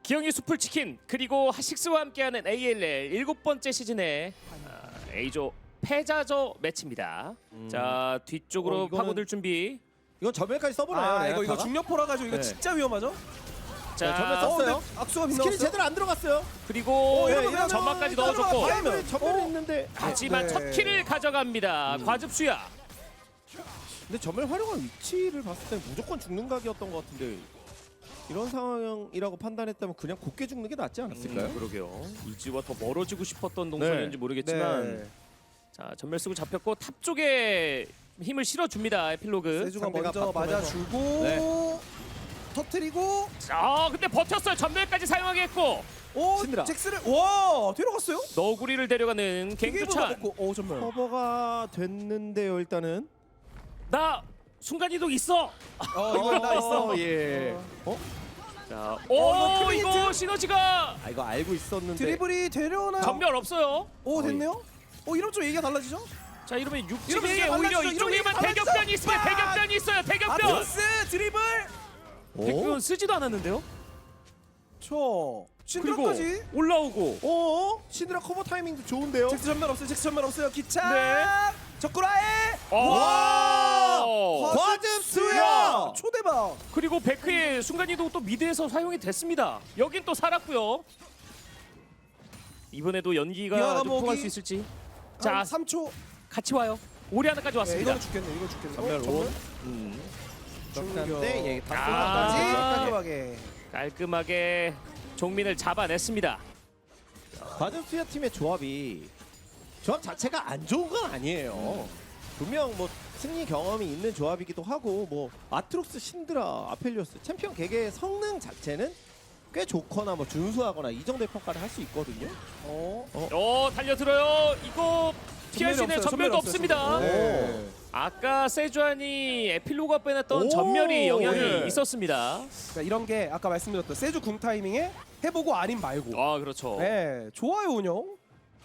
기영이 수풀치킨 그리고 하식스와 함께하는 ALL 7번째 시즌의 A조 패자조 매치입니다. 자 뒤쪽으로 이거는- 파고들 준비. 이건 전멸까지 써보나요? 아 이거 레나타가? 중력포라 가지고 이거 네. 진짜 위험하죠? 자 전멸 썼어요. 근데 악수가 스킬이 빗나갔어요. 제대로 안 들어갔어요. 그리고 이러면 그냥 점막까지 따로 넣어줬고 가요. 타임을 전멸이 있는데 하지만 네. 첫 킬을 가져갑니다. 과즙수야. 근데 전멸 활용한 위치를 봤을 때 무조건 죽는 각이었던 것 같은데 이런 상황이라고 판단했다면 그냥 곱게 죽는 게 낫지 않았을까요? 그러게요. 이지와 더 멀어지고 싶었던 동선이었는지 모르겠지만 네. 자 전멸 쓰고 잡혔고 탑 쪽에 힘을 실어줍니다. 에필로그. 세주가 상대가 먼저 바텀에서. 맞아주고 네. 터트리고 자 근데 버텼어요. 전멸까지 사용하게 했고 오 신드라. 잭스를 와 뒤로 갔어요? 너구리를 데려가는 갱주찬. 오 정말 커버가 됐는데요 일단은. 나 순간이동 있어. 이거 나 있어. 예. 자, 이거 오 크리에이트? 이거 시너지가 아 이거 알고 있었는데. 드리블이 되려나요? 전멸 없어요. 오 됐네요? 이러면 좀 얘기가 달라지죠? 자 이러면 이러면 육지게 얘기가 오히려 달라지죠. 이쪽에만 이러면 얘기가 대격변이 있으면 달라지죠. 대격변이 있어요. 대격변. 아토스 드리블 대격변 쓰지도 않았는데요. 저 그리고 신드라까지 올라오고 신드라 커버 타이밍도 좋은데요. 잭스 전멸 없어요. 잭스 전멸 없어요. 기차 네. 적구라에 와! 과즙수야! 초대박. 그리고 베크의 순간이동 또 미드에서 사용이 됐습니다. 여긴 또 살았고요. 이번에도 연기가 미아가 좀 통할 먹이. 수 있을지. 자 자 3초. 같이 와요. 오리아나까지 왔습니다. 이거는 죽겠네. 이거 죽겠네. 전멸 온. 충격. 예, 다 아. 까지 쏟아가지. 깔끔하게. 깔끔하게 종민을 잡아냈습니다. 과즙수야 팀의 조합 자체가 안 좋은 건 아니에요. 분명 뭐 승리 경험이 있는 조합이기도 하고 뭐 아트록스, 신드라, 아펠리오스 챔피언 개개의 성능 자체는 꽤 좋거나 뭐 준수하거나 이 정도의 평가를 할 수 있거든요. 달려들어요. 이거 피할 수 있는 없어요. 전멸도 전멸 없습니다. 없어요. 네. 아까 세주안이 에필로그가 빼냈던 오, 전멸이 영향이 예. 있었습니다. 그러니까 이런 게 아까 말씀드렸던 세주 궁 타이밍에 해보고 아닌 말고. 아 그렇죠. 네, 좋아요 운영.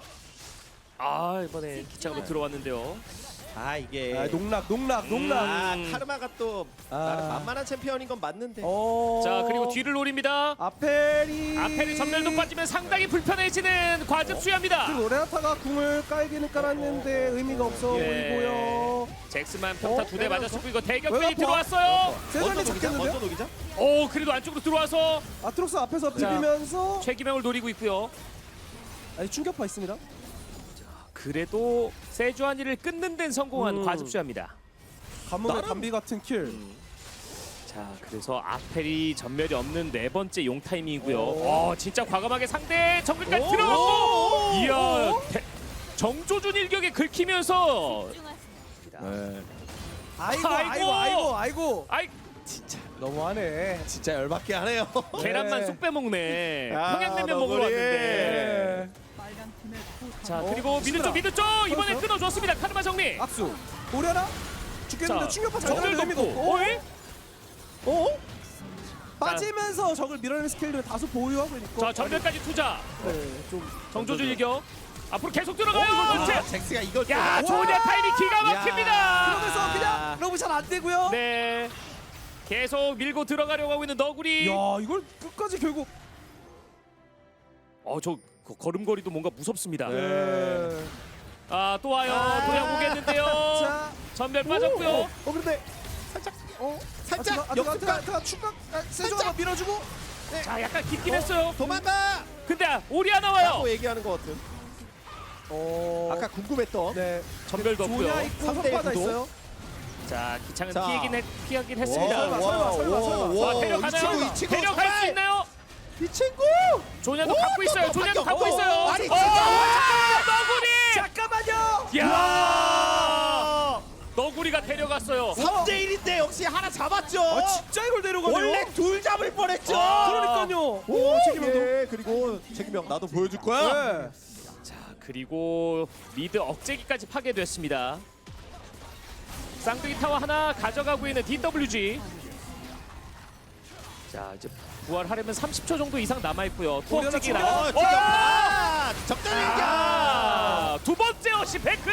아 이번에 기차로 들어왔는데요. 아 이게 농락. 아 카르마가 또 아. 나름 만만한 챔피언인 건 맞는데 자 그리고 뒤를 노립니다. 아펠이 아펠이 전멸도 빠지면 상당히 불편해지는 과즙수야입니다. 그리고 레나타가 궁을 깔기는 깔았는데 의미가 없어 예. 보이고요. 잭스만 평타 2대 때려서. 맞았었고 이거 대격변이 왜 들어왔어요. 세전이 먼저 녹이자. 잡겠는데요? 오 그래도 안쪽으로 들어와서 아트록스 앞에서 자. 비비면서 최기명을 노리고 있고요. 아니 충격파 있습니다. 그래도 세주안이를 끊는 데는 성공한 과즙수야입니다. 가뭄의 담비 같은 킬. 자 그래서 아펠이 전멸이 없는 네 번째 용 타이밍이고요. 오. 진짜 과감하게 상대 정글까지 오. 들어갔고 이야 오. 정조준 일격에 긁히면서 네. 아이고. 아이 진짜 너무하네. 진짜 열받게 하네요. 계란만 쏙 빼먹네. 아, 평양냉면 먹으러 너구리. 왔는데. 네. 자 그리고 미드 쪽 이번에 그렇죠. 끊어줬습니다. 카르마 정리. 악수. 오려나? 죽겠는데 자, 충격파 잘 정글 들어가는 의미가 덮고. 없고. 어이? 빠지면서 적을 밀어내는 스킬을 다소 보유하고 있고. 자 전멸까지 투자. 네, 좀 정조준 일격. 앞으로 계속 들어가요. 아, 잭스가 이걸 야 또- 조냐 타이밍 기가 막힙니다. 그러면서 그냥 러브 잘 안 되고요. 네. 계속 밀고 들어가려고 하고 있는 너구리. 야 이걸 끝까지 결국. 저 걸음걸이도 뭔가 무섭습니다. 네. 또 와요. 도약 오겠는데요. 자. 전멸 빠졌고요. 근데 살짝 아트가 충각 세조가 밀어주고. 자 약간 깊긴 했어요. 도망가! 근데 오리아 나와요. 라고 얘기하는 것 같은. 아까 궁금했던. 네. 전멸도 조냐 없고요. 있고 삼대 성과다 구도. 있어요. 자 기창은 자. 피하긴 했습니다. 설마. 자, 데려가나요? 이 친구 데려갈 수 정말! 있나요? 이 친구! 조냐도 오, 갖고 있어요. 또 조냐도 바뀌어. 갖고 있어요. 아니, 너구리! 잠깐만요. 야! 너구리가 데려갔어요. 3대 1인데 역시 하나 잡았죠. 진짜 이걸 데려가네요. 원래 둘 잡을 뻔했죠. 그러니까요. 오, 책임형도. 예, 그리고 책임형 나도 보여줄 거야. 네. 자 그리고 미드 억제기까지 파괴됐습니다. 쌍둥이 타워 하나 가져가고 있는 DWG. 자 이제 부활하려면 30초 정도 이상 남아 있고요. 투억제기 오려나 나가. 지금 적절 일격. 두 번째 어시 베크.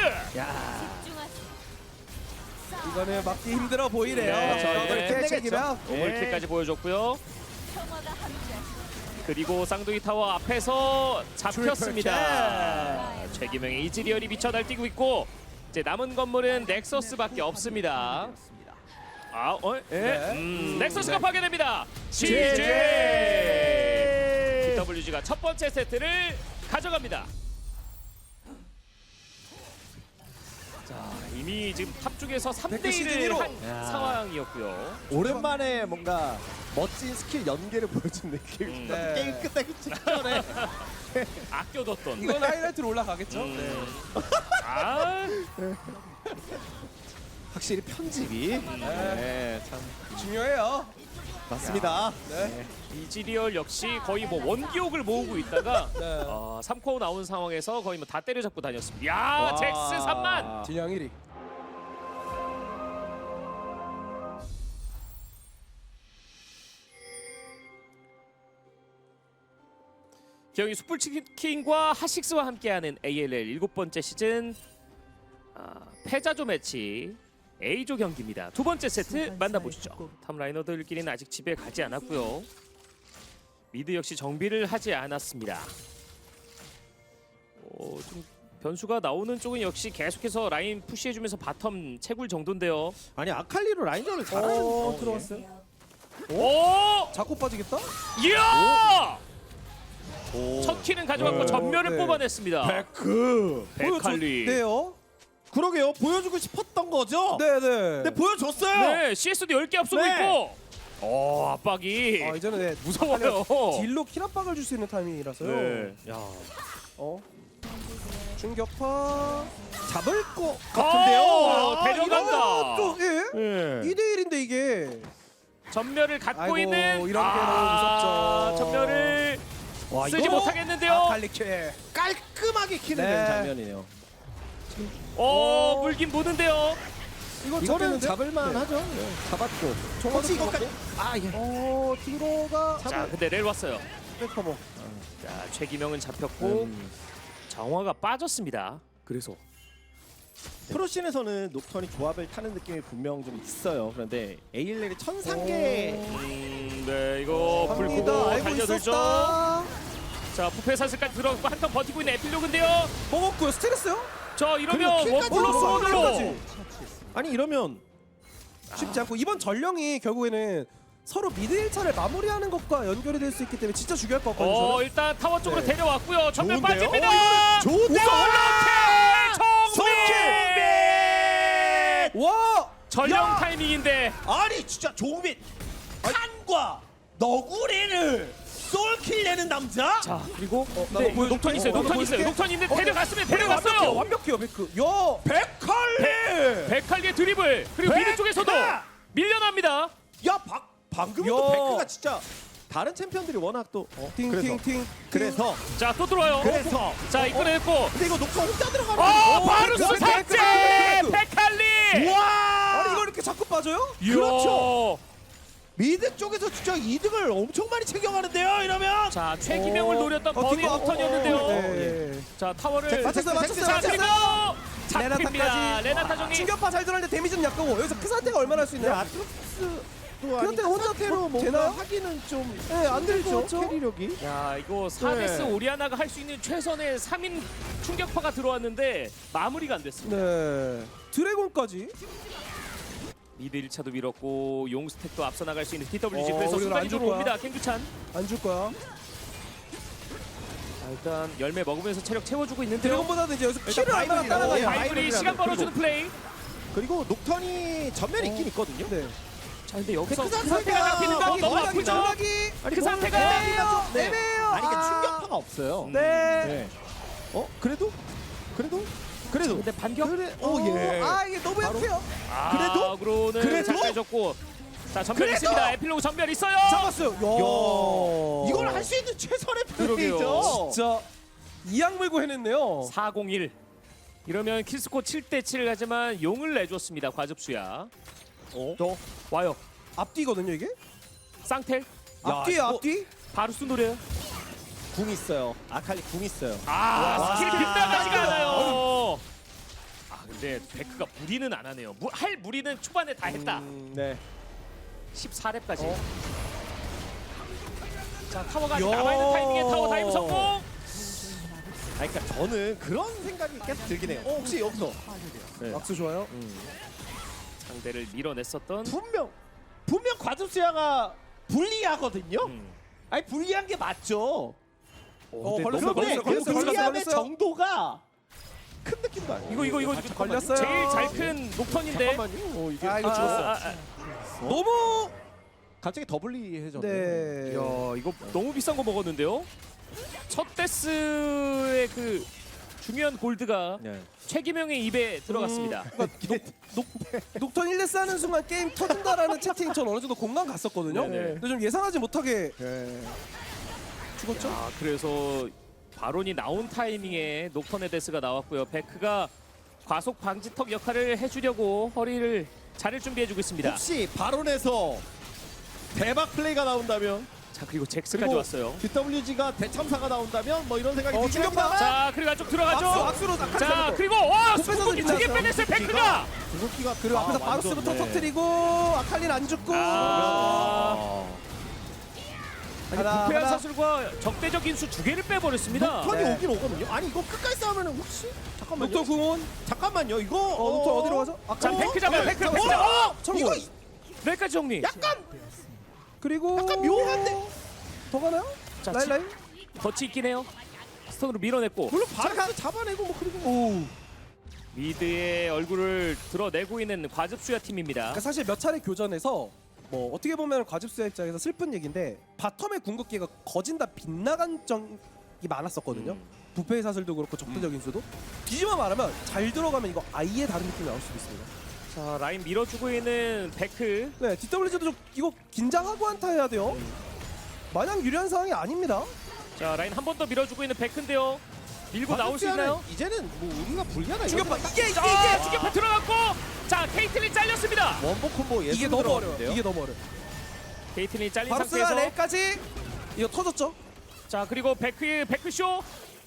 이거는 막기 힘들어 보이네요. 네. 저걸 끝내겠죠. 책임형. 오물킬까지 보여줬고요. 그리고 쌍둥이 타워 앞에서 잡혔습니다. 최기명의 이즈리얼이 미쳐 날뛰고 있고 이제 남은 건물은 넥서스밖에 없습니다. 네. 넥서스가 파괴됩니다. CJ BWG가 첫 번째 세트를 가져갑니다. 자, 이미 지금 탑 쪽에서 3대 1을 시즌 한 1호. 야. 상황이었고요. 오랜만에 뭔가 멋진 스킬 연계를 보여준 느낌. 네. 게임 끝나기 직전에. 아껴뒀던. 이건 하이라이트로 올라가겠죠. 네. 아, 확실히 편집이 네, 참 중요해요. 맞습니다. 네. 이즈리얼 역시 거의 뭐 원기옥을 모으고 있다가 네. 3코어 나온 상황에서 거의 뭐 다 때려잡고 다녔습니다. 야, 와. 잭스 3만. 진영 1위. 기영이 숯불치킨과 하식스와 함께하는 ALL 7번째 시즌 패자조 매치 A조 경기입니다. 두 번째 세트 만나보시죠. 탑라이너들끼리는 아직 집에 가지 않았고요. 미드 역시 정비를 하지 않았습니다. 좀 변수가 나오는 쪽은 역시 계속해서 라인 푸시해주면서 바텀 채굴 정도인데요. 아니 아칼리로 라인전을 잘하는 들어왔어요. 오! 자꾸 빠지겠다? 이야! 오. 첫 키는 가져갔고 전멸을 네. 뽑아냈습니다. 베크. 베칼리. 네요. 그러게요. 보여주고 싶었던 거죠. 네네. 근데 보여줬어요. 네, CS도 10개 앞서고 네. 있고. 압박이 아 이제는 네, 무서워요. 딜로 킬압박을 줄 수 있는 타이밍이라서요. 네. 야, 충격파. 잡을 것 같은데요. 데려간다. 또 예? 네. 2대 1인데 이게. 전멸을 갖고 아이고, 있는 이런 게 너무 무섭죠. 전멸을 와, 쓰지 이거 못하겠는데요. 아칼리케. 깔끔하게 킬을 네. 낸 장면이네요. 물긴 무는데요. 이거는 잡겠는데? 잡을만 네. 하죠. 혹시 혹시 이것까지 예. 뒤로가 자, 근데 렐 왔어요. 백커버. 자, 최기명은 잡혔고 정화가 빠졌습니다. 그래서 프로씬에서는 녹턴이 조합을 타는 느낌이 분명 좀 있어요. 그런데 ALL이 천상계 네, 이거 불 갑니다. 보고 알고 달려들죠. 있었다. 자, 부패 사슬까지 들어가고 한턴 버티고 있는 에필로그인데요. 먹었고요. 스트레스요? 저 이러면 그리고 원플러스 킬까지 원으로 킬까지. 아니 이러면 쉽지 않고 이번 전령이 결국에는 서로 미드 1차를 마무리하는 것과 연결이 될 수 있기 때문에 진짜 중요할 것 같거든요. 저는. 일단 타워 쪽으로 네. 데려왔고요. 전멸 좋은데요? 빠집니다. 좋은데요? 송민! 와! 전령 야! 타이밍인데 아니 진짜 조민 칸과 너구리를 솔킬 내는 남자? 자, 그리고 나도 보여줄게. 녹턴 있어요. 녹턴 있어요. 녹턴 있는데 데려갔으면 완벽해요. 데려갔어요. 완벽해요, 베크. 야! 백칼리! 백칼리의 드리블. 그리고 백카! 미드 쪽에서도 밀려납니다. 야 방금도 야. 백크가 진짜 다른 챔피언들이 워낙 또 팅팅팅. 그래서 자, 또 들어와요. 그래서 자, 이끌어냈고 근데 이거 녹턴 혼자 들어가면 바로 백크, 수삭제! 백크! 백칼리! 와! 아니 이걸 이렇게 자꾸 빠져요? 그렇죠. 미드 쪽에서 진짜 이득을 엄청 많이 챙겨가는데요. 이러면 자, 최기명을 노렸던 버니 뒷거. 녹턴이었는데요. 네. 자, 타워를 맞췄어요. 자, 그리고 잡힙니다. 레나타까지. 레나타 정리. 충격파 잘 들어가는데 데미지는 약하고 여기서 그 상태가 얼마나 할 수 근데 있나요? 아트록스도 그런데 혼자 상태로 뭐 뭔가 되나요? 하기는 좀 네, 안 되죠. 힘들죠, 캐리력이. 야, 이거 4데스 네. 오리아나가 할 수 있는 최선의 3인 충격파가 들어왔는데 마무리가 안 됐습니다. 네. 드래곤까지. 미드 1차도 밀었고 용 스택도 앞서 나갈 수 있는 DWG 그래서 우리는 안 순간적으로 줄 거야. 옵니다. 캥규찬. 안 줄 거야. 자, 일단 열매 먹으면서 체력 채워주고 있는데요. 드래곤보다는 이제 여기서 키를 일단 얼마나 바이블이라고. 따라가냐. 바이블. 바이블이 시간 벌어주는 플레이. 그리고 녹턴이 전면이 있긴 있거든요. 네. 자, 근데 여기서 그 그 상태가 상태가 잡히는 거 너무 정락이, 아프죠? 정락이. 아니, 그 뭐, 상태가 애매해요. 네. 애매해요. 아니 이게 아. 충격파가 없어요. 네. 네. 그래도 근데 반격. 예. 아 이게 너무 바로. 약해요. 아, 그로는 그래도? 잘 빼줬고. 자, 전멸 그래도? 있습니다. 에필로그 전멸 있어요. 잡았어요. 야. 이걸 할 수 있는 최선의 그러게요. 플레이죠. 진짜 이악 물고 해냈네요. 401. 이러면 킬스코 7대7 하지만 용을 내줬습니다. 과즙수야. 또 와요. 앞뒤거든요 이게. 쌍텔. 앞뒤에 이거- 앞뒤. 바루스 노래요. 궁 있어요. 아칼리 궁 있어요. 스킬 와. 빗나가지가 않아요. 근데 베크가 무리는 안 하네요. 할 무리는 초반에 다 했다. 네. 14렙까지. 자 타워가 아직 야. 남아있는 타이밍에 타워 다이브 성공. 아니, 그러니까 저는 그런 생각이 계속 들긴 해요. 혹시 여기서 악수 좋아요. 상대를 밀어냈었던 분명 과즙수야가 불리하거든요. 음. 아니 불리한 게 맞죠. 걸렸어요, 그런데 걸렸어요, 그 걸렸어요, 불리함의 걸렸어요. 정도가 큰 느낌도 아니에요. 이거 걸렸어요. 제일 잘 큰 녹턴인데. 잠깐만요. 이게 아, 이거 죽었어. 너무 갑자기 더 불리해졌네. 네. 야 이거 너무 비싼 거 먹었는데요. 첫 데스의 그 중요한 골드가 네. 최기명의 입에 들어갔습니다. 녹턴 1레스 하는 순간 게임 터진다라는 채팅 전 어느 정도 공감 갔었거든요. 네네. 근데 좀 예상하지 못하게 네. 죽었죠? 아 그래서 바론이 나온 타이밍에 녹턴의 데스가 나왔고요. 베크가 과속 방지턱 역할을 해주려고 허리를 자를 준비해주고 있습니다. 혹시 바론에서 대박 플레이가 나온다면, 자 그리고 잭스까지 그리고 왔어요. DWG가 대참사가 나온다면 뭐 이런 생각이 들긴 충격파. 합니다만 자 그리고 안쪽 들어가죠. 악수로 자 그리고 와 곱빼서 수국이 두개 끝났어요. 빼냈어요. 베크가. 구석기가 그리고 앞에서 바루스부터 터뜨리고 아칼린 안 죽고 아니 하나, 부패한 하나. 사슬과 적대적인 수 두 개를 빼버렸습니다. 녹턴이 네. 오긴 오거든요. 아니 이거 끝까지 싸우면은 혹시 잠깐만요. 녹턴 궁원 잠깐만요. 이거 녹턴 어디로 가죠? 자 베크 잡아요. 베크 잡아. 청구 이거 여기까지 정리. 약간 그리고 약간 묘한데? 더 가나요? 자, 라인 라인 덫이 있긴 해요. 스톤으로 밀어냈고 물론 바론을 잡아내고 뭐 그리고 오. 미드의 얼굴을 드러내고 있는 과즙수야 팀입니다. 그러니까 사실 몇 차례 교전에서 뭐 어떻게 보면 과즙수의 입장에서 슬픈 얘기인데 바텀의 궁극기가 거진다 빗나간 적이 많았었거든요. 부패의 사슬도 그렇고 적대적인 수도 뒤집어 말하면 잘 들어가면 이거 아예 다른 느낌이 나올 수도 있습니다. 자 라인 밀어주고 있는 베크. 네, DWG도 좀 이거 긴장하고 한타 해야 돼요. 마냥 유리한 상황이 아닙니다. 자 라인 한 번 더 밀어주고 있는 베크인데요. 밀고 나올 수 있나요? 이제는 뭐 우리가 불리하다. 충격파 이게 자 주격파 들어갔고 자 케이틀린 잘렸습니다. 원복 콤보 예술 이게 너무 어려워. 들어갔는데요. 이게 너무 어려. 케이틀린 잘린 바루스가 상태에서 레까지 이거 터졌죠? 자 그리고 베크쇼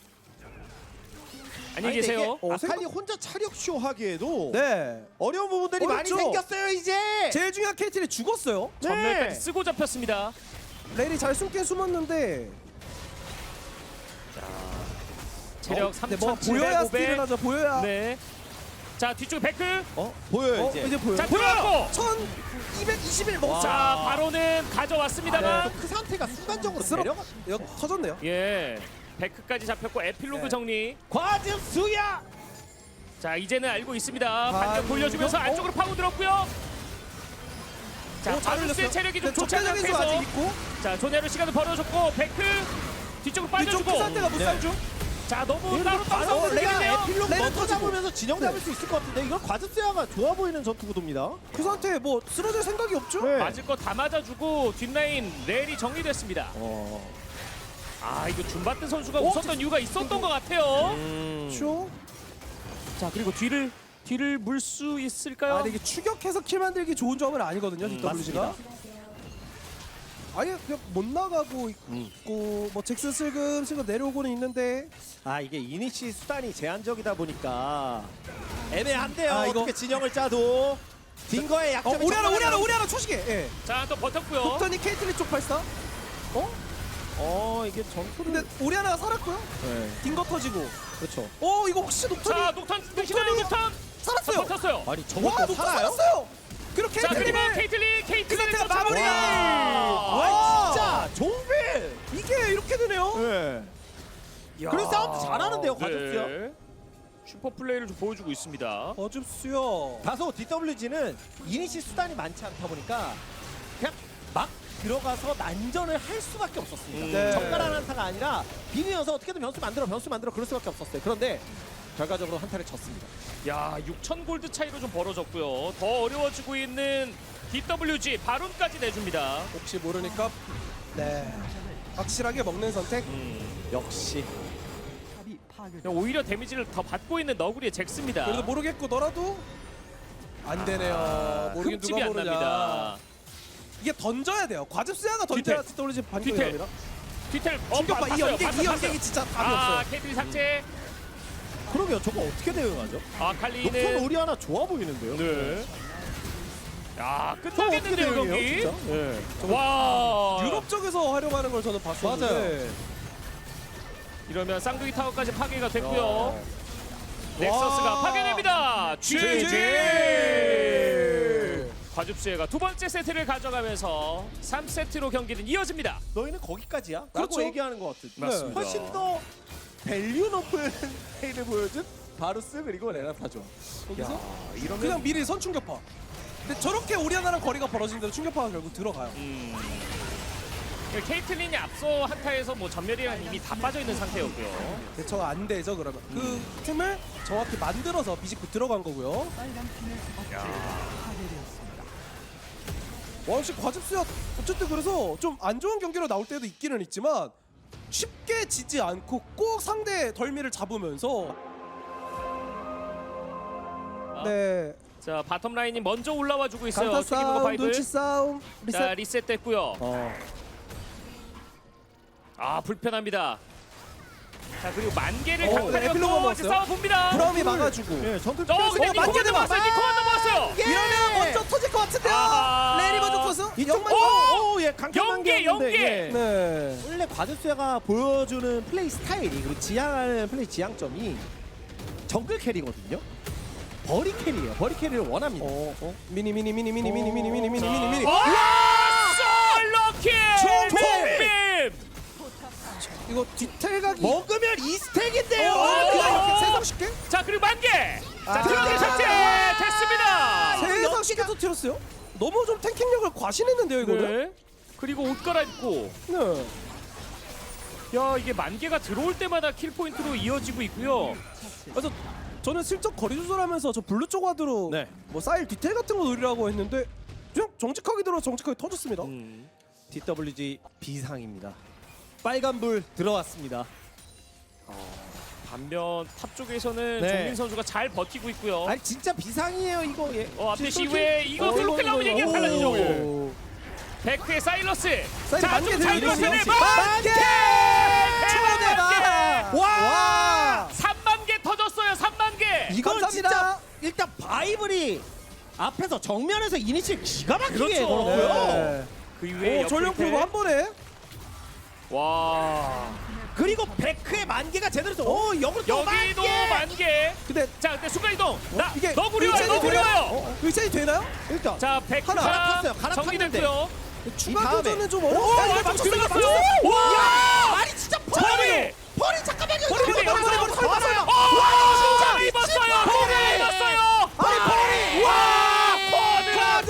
안녕히 계세요. 아칼리 혼자 차력 쇼 하기에도 네. 어려운 부분들이 많이 어렵죠? 생겼어요 이제. 제일 중요한 케이틀이 죽었어요. 전멸까지 쓰고 잡혔습니다. 레일이 잘 숨긴 숨었는데 체력 근데 뭐 보여야 스틸을 3,700. 하죠. 보여야. 네. 자 뒤쪽 베크. 보여요 이제. 이제 보여. 자 들어갔고. 1221 먹었어. 자 바로는 가져왔습니다만. 그 상태가 순간적으로 쓰러- 내려가. 이거 터졌네요. 예. 베크까지 잡혔고 에필로그 네. 정리. 과즙 수야. 자 이제는 알고 있습니다. 반격 이거? 돌려주면서 안쪽으로 파고들었고요. 자 잘 바루스의 올렸어요. 체력이 좀 근데 좋지 않은 적대적인 수 아직 상태에서 있고 자 조네로 시간을 벌어줬고 베크 뒤쪽으로 뒤쪽 빠져주고 그 상태가 못 네. 살죠. 자 너무 따로 따로 바로 싸우는데요. 레가 에필로그 레는 먼저 터지고. 잡으면서 진영 잡을 수 있을 것 같은데 이건 과즙 수야가 좋아 보이는 전투 구도입니다. 그 상태에 뭐 쓰러질 생각이 없죠. 네. 맞을 거 다 맞아주고 뒷라인 렐이 정리됐습니다. 아 이거 줌바트 선수가 웃었던 이유가 있었던 것 같아요. 쇼. 자 그리고 뒤를 물 수 있을까요? 아, 근데 이게 추격해서 킬 만들기 좋은 점은 아니거든요. DWG가. 아예 그냥 못 나가고 있고 뭐 잭슨 슬금슬금 내려오고는 있는데 아 이게 이니시 수단이 제한적이다 보니까 애매한데요. 아, 이거- 어떻게 진영을 짜도 딩거의 약점이 오리아나 초시계. 예. 자 또 버텼고요. 독턴이 케이틀린 쪽 발사. 이게 전투를 근데 오리아나가 살았고요. 네. 딩거 터지고. 그렇죠. 이거 혹시 녹턴이 자 녹턴 뜨시나요 녹턴? 살았어요. 버텼어요. 아니 와, 저것도 녹턴 살아요? 살았어요. 그리고 자 그리고 케이틀린 그 케이틀린 상태가 마무리. 와 진짜 종빌. 이게 이렇게 되네요. 네. 그런 싸움도 잘하는데요 과즙수야. 네. 슈퍼 플레이를 좀 보여주고 있습니다. 어줍수요. 다소 DWG는 이니시 수단이 많지 않다 보니까 그냥 막 들어가서 난전을 할 수밖에 없었습니다. 네. 정갈한 한타가 아니라 비비면서 어떻게든 변수 만들어 그럴 수밖에 없었어요. 그런데 결과적으로 한타를 졌습니다. 야 6,000 골드 차이로 좀 벌어졌고요. 더 어려워지고 있는 DWG 바론까지 내줍니다. 혹시 모르니까 네 확실하게 먹는 선택. 역시 오히려 데미지를 더 받고 있는 너구리의 잭스입니다. 그래도 모르겠고더라도 안 되네요. 모르긴 흠집이 누가 안 모르냐. 납니다. 이게 던져야 돼요. 과즙수야가 던져야 뒤태. DWG 반격이 뒤태. 납니다. 뒤텔 충격파 이 봤어요, 연계 봤어요, 이 봤어요. 연계기 진짜 답이 아 없어요. 케이틀린 삭제. 그러게요. 저거 어떻게 대응하죠? 아 녹턴 칼리는 우리 하나 좋아 보이는데요. 네. 야, 끝나겠는데요 경기. 예. 와. 유럽 쪽에서 활용하는 걸 저는 봤었는데 이러면 쌍둥이 타워까지 파괴가 됐고요. 넥서스가 파괴됩니다. GG. 과즙수혜가 두 번째 세트를 가져가면서 3세트로 경기는 이어집니다. 너희는 거기까지야? 라고 그렇죠. 얘기하는 것 같은. 맞습니다. 훨씬 더 밸류 높은 플레이를 보여준 바루스 그리고 레나타죠. 거기서 이러면 그냥 미리 선충격파. 근데 저렇게 오리아나랑 거리가 벌어진 대로 충격파가 결국 들어가요. 케이틀린이 앞서 한타에서 뭐 전멸이랑 이미 다 빠져 있는 상태였고요. 대처가 안 되죠 그러면. 그 틈을 정확히 만들어서 비집고 들어간 거고요. 와 역시 과즙수야 어쨌든 그래서 좀 안 좋은 경기로 나올 때도 있기는 있지만 쉽게 지지 않고 꼭 상대 덜미를 잡으면서 네 자, 바텀 라인이 먼저 올라와 주고 있어요. 강타 투기버거 싸움, 파이브. 눈치 싸움, 자, 리셋. 리셋됐고요. 아, 불편합니다. 자, 그리고 만개를 네, 강타로 에필로그 또 먹었어요. 싸워 봅니다. 브라움이 막아주고. 예, 전투 근데 니코가 만개 넘어왔어요. 니코가 넘어왔어요. 이러면 먼저 터질 것 같은데요. 아하. 레리 먼저 터서 이쪽만 예, 강력한 연계, 게 없는데, 연계. 예. 네. 원래 과즙수야가 보여주는 플레이 스타일이 그리고 지향하는 플레이 지향점이 정글 캐리거든요. 버리 캐리예요. 버리 캐리를 원합니다. 미니. 와! 솔로킬! 총빔! 이거 디테일 각이 먹으면 2스택인데요. 그냥 이렇게 세상 쉽게? 자, 그리고 만개! 자, 아. 트럭이 삭제! 됐습니다! 세상 쉽게 터뜨렸어요? 너무 좀 탱킹력을 과신했는데요 이거는? 네. 그리고 옷 갈아입고 네. 야, 이게 만개가 들어올 때마다 킬 포인트로 이어지고 있고요. 그래서 저는 슬쩍 거리 조절하면서 저 블루 쪽 와드로 네. 뭐 사일 디테일 같은 거 노리라고 했는데 그냥 정직하게 들어 정직하게 터졌습니다. DWG 비상입니다. 빨간불 들어왔습니다. 반면 탑 쪽에서는 네. 종민 선수가 잘 버티고 있고요. 아니 진짜 비상이에요 이거. 예. 앞대시 이후에 이거 클로클 나오면 얘기가 달라지죠. 백크의 사일러스. 사일 자, 만개 좀 잘 들리죠? 버티네. 만개! 대박! 와! 3만 개 터졌어요. 3만 개. 이건 감사합니다. 진짜 일단 바이블이 앞에서 정면에서 이니시를 기가 막히게 그렇죠. 걸었고요. 네. 그 이후에 전력 옆으로 풀고 한 번에 와. 그리고 베크의 만개가 제대로 써. 역으로 또 여기도 만개! 만개. 근데 자, 근데 순간 이동. 나 이게 너구리와요. 의찬이 너구리와요. 의찬이 되나요? 일단 자, 백크가 갈아탔어요. 갈아탔는데. 정리됐고요. 추가 다음에. 교전은 좀 오, 어려워. 아, 맞췄어요. 들어갔어요. 맞췄어요. 와! 아니 진짜 머리! 버리 잠깐만요. 버리, 버리, 버리, 버리, 버리, 버리. 진짜 미친 입었어요. 버리! 진짜 입었어요. 아니 버리! 와!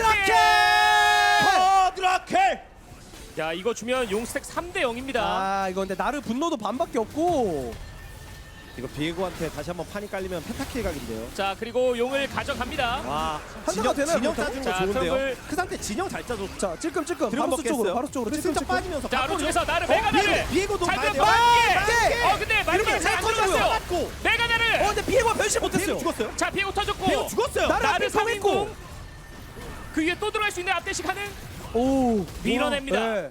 쿼드라켈! 야, 이거 주면 용스택 3대 0입니다. 아 이거 근데 나르 분노도 반밖에 없고 이거 비에고한테 다시 한번 판이 깔리면 펜타킬 각인데요. 자, 그리고 용을 가져갑니다. 와, 한타가 되나요, 진영 그렇다고? 짜준 거 자, 좋은데요. 트럼블. 그 상태 진영 잘 짜줬. 자 찔끔찔끔 들어 바루스 쪽으로 바루스 쪽으로 슬쩍 찔끔찔끔 빠지면서 자, 바로 오른쪽에서 나를 메가나를. 비에고도 자, 가야 그럼 돼요. 만개. 근데 만개 잘안 터졌어요. 맞고 메가나를. 근데 비에고 변신 못했어요. 비에고 죽었어요. 자, 비에고 터졌고. 비에고 죽었어요. 나를 나를 앞에 펴고 3인공. 그 위에 또 들어갈 수 있는 앞대시 가능. 오 밀어냅니다. 네.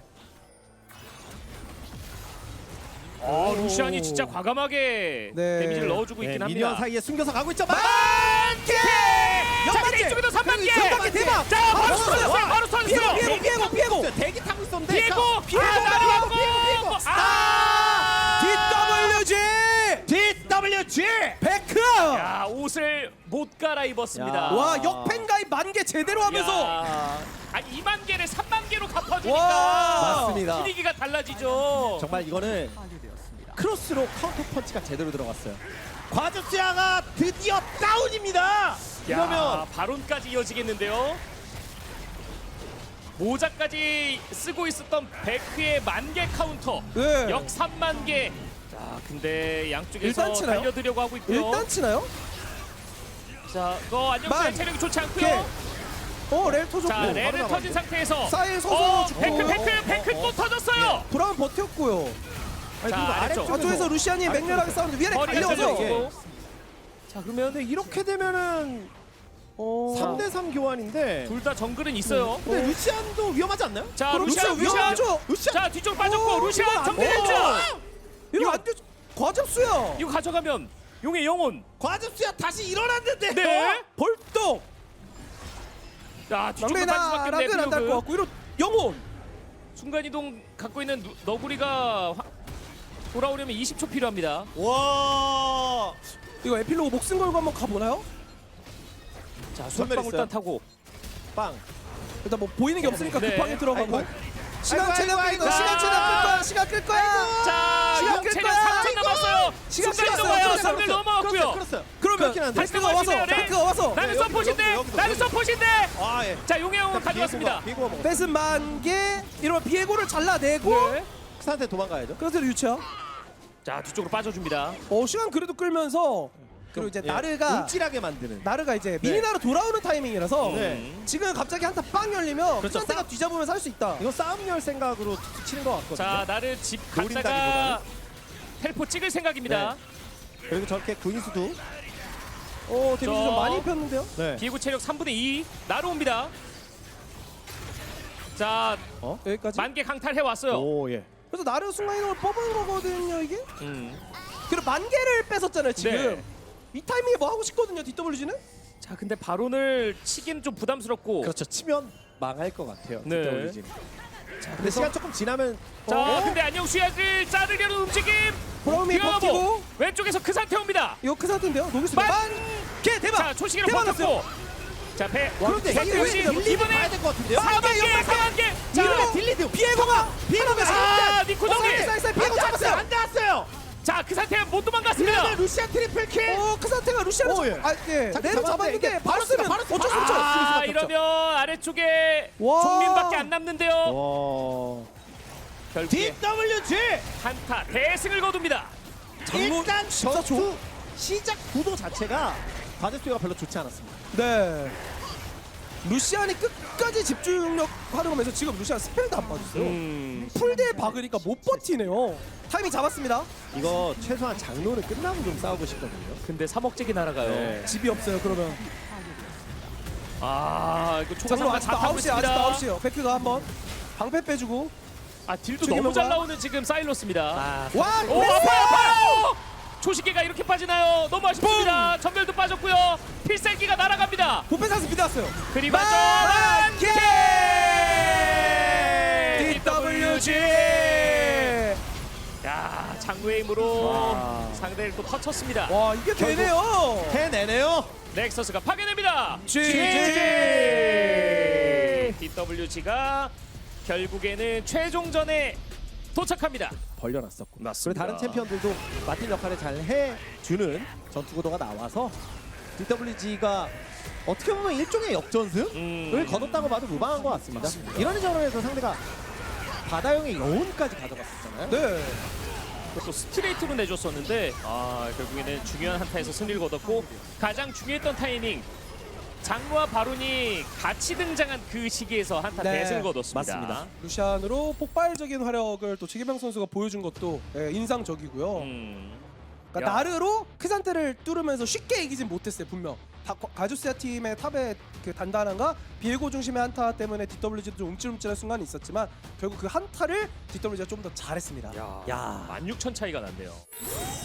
루시안이 진짜 과감하게 네. 데미지를 넣어주고 있긴 미니언 합니다. 사이에 숨겨서 가고 있죠. 만개! 자, 근데 이쪽에도 3만 개! 3만 개 대박! 자, 바로 바로 터졌어요! 터졌어요! 바로 터졌어요! 비에고 대기 타고 있었는데 비에고! 비에고 날아갔고! 비에고 DWG DWG 베크 야, 옷을 못 갈아입었습니다. 야. 와 역팬가입 만개 제대로 하면서 야. 아니 2만 개를 3만 개로 갚아주니까 와. 맞습니다. 분위기가 달라지죠. 정말 이거는 크로스로 카운터 펀치가 제대로 들어갔어요. 과즙수야가 드디어 다운입니다. 이러면 야, 바론까지 이어지겠는데요. 모자까지 쓰고 있었던 베크의 만개 카운터 네. 역 3만 개. 자, 근데 양쪽에서 일단 치나요? 달려들려고 하고 있고요. 일단 치나요? 자, 안녕수의 만. 체력이 좋지 않고요. 렐 터졌고 자, 레를 터진 상태에서 사일 서서 죽고 베크 또 터졌어요. 브라운 버텼고요. 아니, 자, 그리고 아래쪽. 아쪽에서 루시안이 맹렬하게 싸우는데 위아래 머리가 달려서 들어오고. 자 그러면 근데 이렇게 되면은 3대3 교환인데 둘 다 정글은 있어요. 근데 루시안도 위험하지 않나요? 자, 그럼 루시안 위험하죠. 루시안 자, 뒤쪽 빠졌고 오, 루시안 이건 안 정리됐죠. 이거 안 돼. 과즙수야. 이거 가져가면 용의 영혼. 과즙수야 다시 일어났는데 네. 벌떡. 야, 뒤쪽으로 빠질 막내나 수밖에 락은 안 달 것 없네. 같고 이런 영혼. 순간 이동 갖고 있는 너구리가 돌아오려면 20초 필요합니다. 와. 이거 에필로그 목숨 걸고 한번 가보나요? 자, 선멸 수박방울단 있어요? 타고 빵. 일단 뭐 보이는 게 없으니까 네. 급하게 들어가고. 아이고. 시간 아이고, 최대한 아이고, 끌 거야. 시간 아이고. 최대한 끌 거야. 시간 끌 거야. 자, 시간 용 끌 체력 거야. 3분 남았어요. 시간 순간 끌었어요. 이동해요. 끌었어요. 선을 넘어왔고요. 그렇어요. 그러면 그렇긴 한데. 다시 데크가 와서 넘어가시네요, 네. 데크가 와서 나는 여기도, 서폿인데. 여기도, 나는 여기도. 서폿인데. 아 예. 자, 용해형은 가져왔습니다. 비고가 먹어. 뺏은 만개 이러면 비에고를 잘라내고 네. 크산테 도망가야죠. 그래서 유치야. 자, 뒤쪽으로 빠져줍니다. 시간 그래도 끌면서 그리고 이제 예, 나르가 움찔하게 만드는. 이제 미니나로 돌아오는 타이밍이라서 네. 지금 갑자기 한타 빵 열리면 그렇죠. 크산테가 뒤잡으면서 할 수 있다. 이거 싸움 열 생각으로 툭툭 치는 것 같거든요. 자, 나를 집 갔다가 노린다기보다는. 텔포 찍을 생각입니다. 그리고 저렇게 구인수도. 데미지 좀 저- 많이 입혔는데요. 네. 비에고 체력 3분의 2 나로 옵니다. 자, 여기까지. 만개 강탈해 왔어요. 오 예. 그래서 나르 순간이동을 뽑은 거거든요 이게. 음. 그리고 만개를 뺏었잖아요 지금. 네. 이 타이밍에 뭐 하고 싶거든요 DWG는. 자, 근데 바론을 치긴 좀 부담스럽고. 그렇죠. 치면 망할 것 같아요. 네. DWG 는. 자, 근데 시간 조금 지나면 자, 근데 안녕수야를 자르려는 움직임. 브라움이 이거 버티고 뭐, 왼쪽에서 그 상태 옵니다. 이거 크 상태인데요. 녹일 수 있는 만- 개 대박. 자, 초시기를 대박 버텼고. 자, 배. 그런데 자, 이게 역시 딜리드 이번에 봐야 될 것 같은데요. 4만개, 4만개. 자, 이러면 딜리드 비에고가 아, 니코 정리. 비에고 잡았어요. 안 닿았어요. 자, 그 상태 못 도망갔습니다. 이러면 루시안 트리플 킬. 크 상태가 루시아를 오, 예. 내로 잡았는데 잡았는데 바로 쓰면 바로 쓰면 어쩔 수 없죠. 아, 이러면 아래쪽에 와. 종민밖에 안 남는데요. 와. 결국에 DWG 한타 대승을 거둡니다. 일단 14초. 전투 시작 구도 자체가 바제스가 별로 좋지 않았습니다. 네. 루시안이 끝까지 집중력 활용하면서 지금 루시안 스펠도 안 빠졌어요. 풀대에 박으니까 못 버티네요. 타이밍 잡았습니다. 이거 최소한 장로는 끝나고 좀 싸우고 싶거든요. 근데 3억잭이 날아가요. 네. 집이 없어요. 그러면 아, 이거 장로 초가상가 아직도 다 타고 9시에 아직도 있습니다. 9시에요. 베크가 한번 방패 빼주고 아, 딜도 저기 너무 잘 뭔가? 나오는 지금 사일로스입니다. 아, 와 오, 아파요. 초시계가 이렇게 빠지나요? 너무 아쉽습니다. 전멸도 빠졌고요. 필살기가 날아갑니다. 보패 사슬 믿었어요. 그리고 만개! 만개 DWG. 야, 장로의 힘으로 와. 상대를 또 터쳤습니다. 와 이게 되네요. 해내네요. 넥서스가 파괴됩니다. GG. DWG가 결국에는 최종전에 도착합니다. 벌려놨었고. 맞습니다. 그리고 다른 챔피언들도 맡은 역할을 잘 해주는 전투 구도가 나와서 DWG가 어떻게 보면 일종의 역전승을 거뒀다고 봐도 무방한 것 같습니다. 이런 저런에서 상대가 바다형의 여운까지 가져갔었잖아요. 네. 또 스트레이트로 내줬었는데 결국에는 중요한 한타에서 승리를 거뒀고 가장 중요했던 타이밍 장로와 바론이 같이 등장한 그 시기에서 한타 네, 대승을 거뒀습니다. 맞습니다. 루시안으로 폭발적인 활약을 또 최기병 선수가 보여준 것도 인상적이고요. 그러니까 야. 나르로 크산테를 뚫으면서 쉽게 이기진 못했어요. 분명 가주스야 팀의 탑의 그 단단함과 비에고 중심의 한타 때문에 DWG도 좀 움찔움찔한 순간이 있었지만 결국 그 한타를 DWG가 좀 더 잘했습니다. 야, 야. 16,000 차이가 났네요.